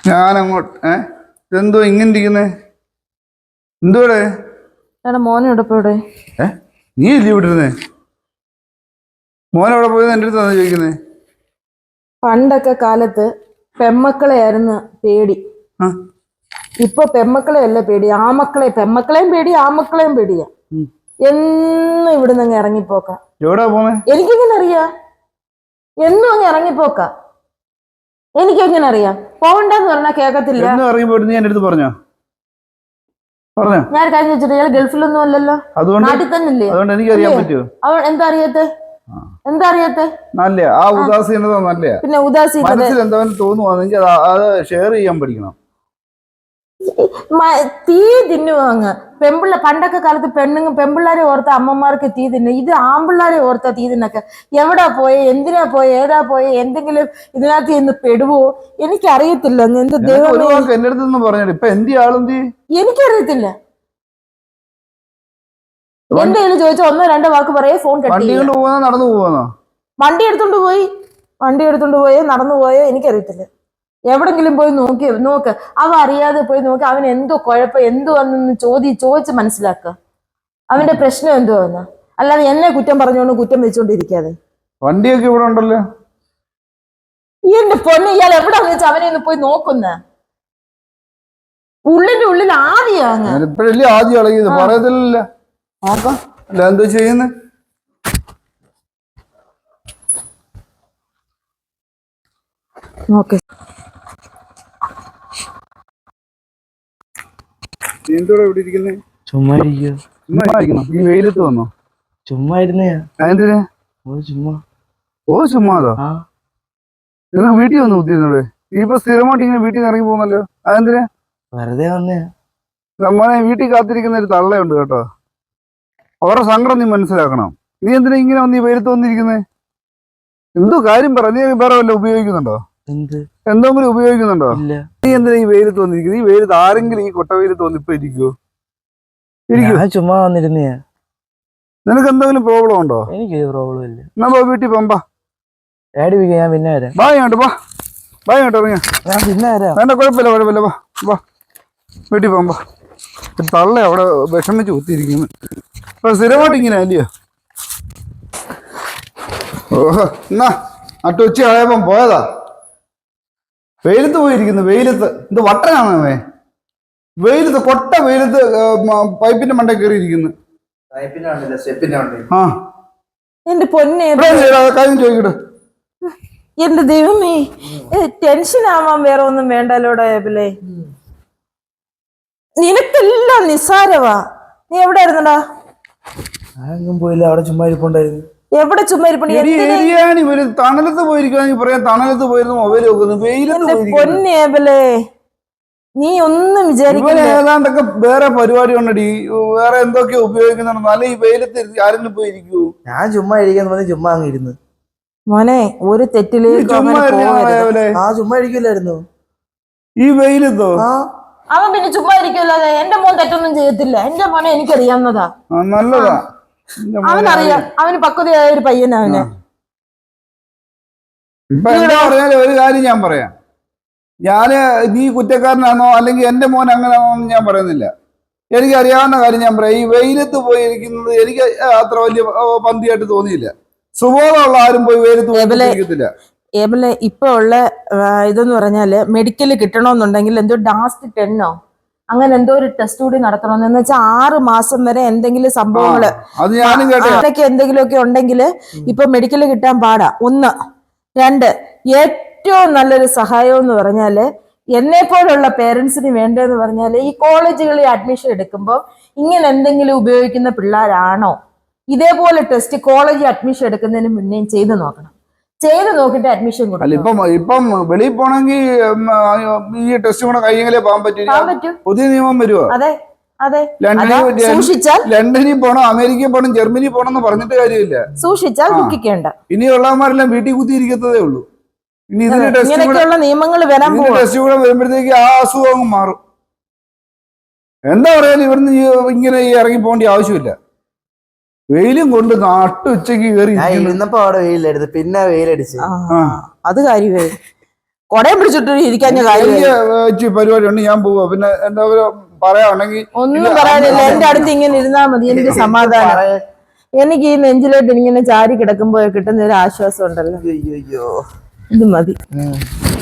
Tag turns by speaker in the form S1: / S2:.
S1: ഞാൻ അങ്ങോട്ട് ഇതെന്തോ ഇങ്ങനെ ഇരിക്കുന്നേ? എന്തോടെ
S2: മോനെ എവിടെ?
S1: നീ ഇല്ലേ ഇവിടെ ഇരുന്നേ? മോനെവിടെ പോയെന്ന് എൻ്റെ അടുത്താണ് ചോദിക്കുന്നേ.
S2: പണ്ടൊക്കെ കാലത്ത് പെമ്മക്കളെ ആയിരുന്നു പേടി. ഇപ്പൊ പെമ്മക്കളെ അല്ല പേടി, ആമക്കളെ. പെമ്മക്കളെയും പേടി, ആമക്കളെയും പേടിയാ. എന്നും ഇവിടുന്ന് അങ്ങ് ഇറങ്ങിപ്പോക്ക.
S1: എവിടാ പോന്നെ?
S2: എനിക്കെങ്ങനെ അറിയാ? എന്നും അങ്ങ് ഇറങ്ങിപ്പോക്ക. എനിക്കെങ്ങനെ അറിയാം? പോകണ്ടെന്ന് പറഞ്ഞാൽ കേക്കത്തില്ല.
S1: ഇറങ്ങിപ്പോയിട്ട് നീ എൻ്റെ അടുത്ത് പറഞ്ഞോ?
S2: ഞാൻ കഴിഞ്ഞ വെച്ചിട്ട് ഇയാൾ ഗൾഫിലൊന്നും അല്ലല്ലോ, നാട്ടിൽ തന്നെ ഇല്ലേ?
S1: അതുകൊണ്ട് എനിക്ക് അറിയാൻ പറ്റുമോ?
S2: എന്താ അറിയാത്തെ? എന്താ അറിയാത്തെ?
S1: നല്ല ആ ഉദാസീനത നല്ല.
S2: പിന്നെ ഉദാസീനത
S1: മനസ്സിൽ എന്തായാലും തോന്നുവാണെങ്കിൽ അത് ഷെയർ ചെയ്യാൻ പഠിക്കണം.
S2: തീ തിന്നുവാങ്ങ് പെമ്പിള്ള. പണ്ടൊക്കെ കാലത്ത് പെമ്പിള്ളാരെ ഓർത്ത അമ്മമാർക്ക് തീ തിന്നു. ഇത് ആമ്പിള്ളാരെ ഓർത്ത തീ തിന്നൊക്കെ. എവിടാ പോയെ, എന്തിനാ പോയെ, ഏതാ പോയെ, എന്തെങ്കിലും ഇതിനകത്ത് ഇന്ന് പെടുവോ എനിക്കറിയത്തില്ല. എന്ത് ദൈവമേ,
S1: എന്റെ അടുത്ത് പറഞ്ഞു. ഇപ്പൊ എന്തി ആളെന്തി
S2: എനിക്കറിയത്തില്ല. എന്റെ കയ്യിൽ ചോദിച്ചാൽ ഒന്നോ രണ്ടോ വാക്ക് പറയേ ഫോൺ
S1: നടന്നു പോവാന്നോ?
S2: വണ്ടി എടുത്തോണ്ട് പോയോ നടന്നു പോയോ എനിക്കറിയത്തില്ല. എവിടെങ്കിലും പോയി നോക്ക്. അവ അറിയാതെ പോയി നോക്കി അവൻ എന്തോ കുഴപ്പം എന്തുവെന്ന് ചോദിച്ച് മനസ്സിലാക്കുക. അവന്റെ പ്രശ്നം എന്തുവെന്ന്. അല്ലാതെ എന്നെ കുറ്റം പറഞ്ഞുകൊണ്ട് കുറ്റം വെച്ചോണ്ടിരിക്കാതെ.
S1: വണ്ടിയൊക്കെ ഇവിടെ ഉണ്ടല്ലോ.
S2: എന്റെ പൊന്നെ, ഇയാൾ എവിടാന്ന് വെച്ചാൽ അവനെ ഒന്ന് പോയി നോക്കുന്ന. ഉള്ളിന്റെ ഉള്ളിൽ ആദ്യം
S1: പറയത്തില്ല. നോക്കാം അല്ല എന്തോ ചെയ്യുന്നേ.
S2: ഓക്കെ,
S1: എന്തോടെ ഇവിടെ ഇരിക്കുന്നേ?
S3: ചുമ്മാ
S1: ഇരിക്കണം. ഈ വെയിലത്ത് വന്നോ?
S3: ചുമ്മാ ഇരുന്നേ.
S1: എന്തിനാ? ചുമ്മാതോ? നിനക്ക് വീട്ടിൽ വന്ന് കുത്തിയിരുന്നോടെ? ഇപ്പൊ സ്ഥിരമായിട്ട് ഇങ്ങനെ വീട്ടിൽ നിന്ന് ഇറങ്ങി പോകുന്നല്ലോ. അതെന്തിനാ?
S3: വെറുതെ വന്നേ.
S1: നമ്മളെ വീട്ടിൽ കാത്തിരിക്കുന്ന ഒരു തള്ളയുണ്ട് കേട്ടോ. അവരുടെ സങ്കടം നീ മനസ്സിലാക്കണം. നീ എന്തിനാ ഇങ്ങനെ വന്ന് ഈ വെയിലത്ത് വന്നിരിക്കുന്നേ? എന്തോ കാര്യം പറ. നീ വേറെ വല്ല ഉപയോഗിക്കുന്നുണ്ടോ? എന്തെങ്കിലും ഉപയോഗിക്കുന്നുണ്ടോ? നീ എന്തിനാ ഈ വെയിലത്ത് വന്നിരിക്കുന്നത്? ഈ വെയിലത്ത് ആരെങ്കിലും ഈ കൊട്ട വെയിലത്ത് വന്ന് ഇപ്പൊ ഇരിക്കുവോ?
S3: ചുമ്മാ വന്നിരുന്നേ.
S1: നിനക്ക് എന്തെങ്കിലും പ്രോബ്ലം ഉണ്ടോ?
S3: എനിക്ക് പ്രോബ്ലം ഇല്ല.
S1: എന്നാ വീട്ടിൽ പോകാം.
S3: ഞാൻ പിന്നെ വരാം.
S1: ബായ് ഇറങ്ങിയ
S3: ഞാൻ പിന്നെ വരാം.
S1: വേണ്ട, കുഴപ്പമില്ല. വാ വീട്ടിൽ പോകാം. തള്ള അവിടെ വിഷമിച്ച് കുത്തിയിരിക്കുന്നു. അപ്പൊ സ്ഥിരമായിട്ട് ഇങ്ങനെ അല്ലയോ? ഓഹോ, എന്നാ നട്ടുച്ച ആയപ്പം പോയതാ. വെയിലത്ത് പോയിരിക്കുന്നു. വെയിലത്ത് എന്ത് വട്ടനാണോ? വെയിലത്ത് കൊട്ട വെയിലത്ത് പൈപ്പിന്റെ മണ്ട കയറിയിരിക്കുന്നു.
S2: എന്റെ പൊന്നെ,
S1: കാര്യം ചോദിക്കട്ടെ.
S2: എന്റെ ദൈവമേ, ടെൻഷൻ ആവാൻ വേറെ ഒന്നും വേണ്ടല്ലോടെ. നിനക്കെല്ലാം നിസ്സാരവാ. നീ എവിടെ ആയിരുന്നടാ?
S3: പോയില്ല, അവിടെ ചുമ്മാ ഇരിപ്പുണ്ടായിരുന്നു.
S2: എവിടെ ചുമ്മാ ഇരിപ്പുണ്ട്?
S1: തണലത്ത് പോയിരിക്കുകയാണെങ്കിൽ പറയാം. തണലത്ത് പോയിരുന്നു മൊബൈൽ വെക്കുന്നത്.
S2: പൊന്നേബലേ, നീ ഒന്നും വിചാരിക്കില്ല.
S1: ഏതാണ്ടൊക്കെ വേറെ പരിപാടി ഉണ്ടടി. വേറെ എന്തൊക്കെയോ ഉപയോഗിക്കുന്നുണ്ടോ? അല്ലെ ഈ വെയിലത്ത് ആരെങ്കിലും പോയിരിക്കൂ?
S3: ഞാൻ ചുമ്മാ ഇരിക്കാൻ ചുമ്മാ അങ്ങ് ഇരുന്ന്.
S2: മോനെ, ഒരു തെറ്റിലേക്ക്
S3: ചുമ്മാ ഇരിക്കില്ലായിരുന്നു
S1: ഈ വെയിലത്തോ?
S2: അവൻ പിന്നെ ചുമ്മാ ഇരിക്കല്ലാതെ. എന്റെ മോൻ തെറ്റൊന്നും ചെയ്യത്തില്ല. എന്റെ മോനെ എനിക്കറിയാവുന്നതാ.
S1: നല്ലതാ.
S2: അവനറിയാം. അവന് പക്വതയായ ഒരു പയ്യനാ അവന്.
S1: ഇപ്പൊ എന്താ പറഞ്ഞാലും ഒരു കാര്യം ഞാൻ പറയാം. നീ കുറ്റക്കാരനാണോ അല്ലെങ്കിൽ എന്റെ മോൻ അങ്ങനെയാണോ എന്ന് ഞാൻ പറയുന്നില്ല. എനിക്ക് അറിയാവുന്ന കാര്യം ഞാൻ പറയാം. ഈ വെയിലത്ത് പോയിരിക്കുന്നത് എനിക്ക് അത്ര വലിയ പന്തിയായിട്ട് തോന്നിയില്ല. സുബോധമുള്ള ആരും പോയി വെയിലത്ത് പോയിരിക്കത്തില്ല.
S2: ഇപ്പൊ ഉള്ള ഇതെന്ന് പറഞ്ഞാല് മെഡിക്കല് കിട്ടണമെന്നുണ്ടെങ്കിൽ എന്തോ ഡാസ്റ്റ് 10 അങ്ങനെ എന്തോ ഒരു ടെസ്റ്റ് കൂടി നടത്തണമെന്ന് വെച്ചാൽ 6 മാസം വരെ എന്തെങ്കിലും സംഭവങ്ങള് അതൊക്കെ എന്തെങ്കിലുമൊക്കെ ഉണ്ടെങ്കിൽ ഇപ്പൊ മെഡിക്കല് കിട്ടാൻ പാടാ. 1, 2 ഏറ്റവും നല്ലൊരു സഹായം എന്ന് പറഞ്ഞാല് എന്നെ പോലുള്ള പേരൻസിന് വേണ്ടതെന്ന് പറഞ്ഞാല് ഈ കോളേജുകളിൽ അഡ്മിഷൻ എടുക്കുമ്പോൾ ഇങ്ങനെ എന്തെങ്കിലും ഉപയോഗിക്കുന്ന പിള്ളേരാണോ, ഇതേപോലെ ടെസ്റ്റ് കോളേജിൽ അഡ്മിഷൻ എടുക്കുന്നതിന് മുന്നേ ചെയ്ത് നോക്കണം. ചെയ്ത് നോക്കിട്ട് അഡ്മിഷൻ കൊടുക്കും.
S1: ഇപ്പം വെളിയിൽ പോണെങ്കിൽ ഈ ടെസ്റ്റ് കൂടെ കഴിയെങ്കിലേ പോകാൻ പറ്റും. പുതിയ നിയമം വരുമോ?
S2: അതെ,
S1: ലണ്ടനിൽ പോണം, അമേരിക്കയിൽ പോണം, ജർമ്മനി പോണം എന്ന് പറഞ്ഞിട്ട് കാര്യമില്ല.
S2: സൂക്ഷിച്ചാൽ ദുഃഖിക്കേണ്ട.
S1: ഇനിയുള്ളവന്മാരെല്ലാം വീട്ടിൽ കുത്തിയിരിക്കത്തതേ ഉള്ളൂ. ഇനി ഇതിന്
S2: ഇങ്ങനെയൊക്കെയുള്ള നിയമങ്ങൾ വരാൻ പോകും.
S1: ടെസ്റ്റ് കൂടെ വരുമ്പോഴത്തേക്ക് ആ അസുഖം മാറും. എന്താ പറയാൻ ഇവിടുന്ന് ഇങ്ങനെ ഇറങ്ങി പോകേണ്ട ആവശ്യമില്ല. വെയിലും കൊണ്ട് നട്ടുച്ചക്ക് കയറി
S3: ഇരുന്നപ്പോ അവിടെ വെയിലായിരുന്നു, പിന്നെ വെയിലടിച്ച്.
S2: അത് കാര്യമേ. കൊടയും പിടിച്ചിട്ട് ഇരിക്കാൻ കാര്യം
S1: എനിക്ക് ഇച്ചിരി പരിപാടി ഉണ്ട്, ഞാൻ പോവാ. പിന്നെ എന്തെങ്കിലും പറയാണെങ്കിൽ
S2: ഒന്നും പറയാനില്ല. എന്റെ അടുത്ത് ഇങ്ങനെ ഇരുന്നാ മതി, എനിക്ക് സമാധാനം. എനിക്ക് ഈ നെഞ്ചിലോട്ട് ഇങ്ങനെ ചാരി കിടക്കുമ്പോ കിട്ടുന്ന ഒരു ആശ്വാസം ഉണ്ടല്ലോ,
S3: അയ്യോ
S2: ഇത് മതി.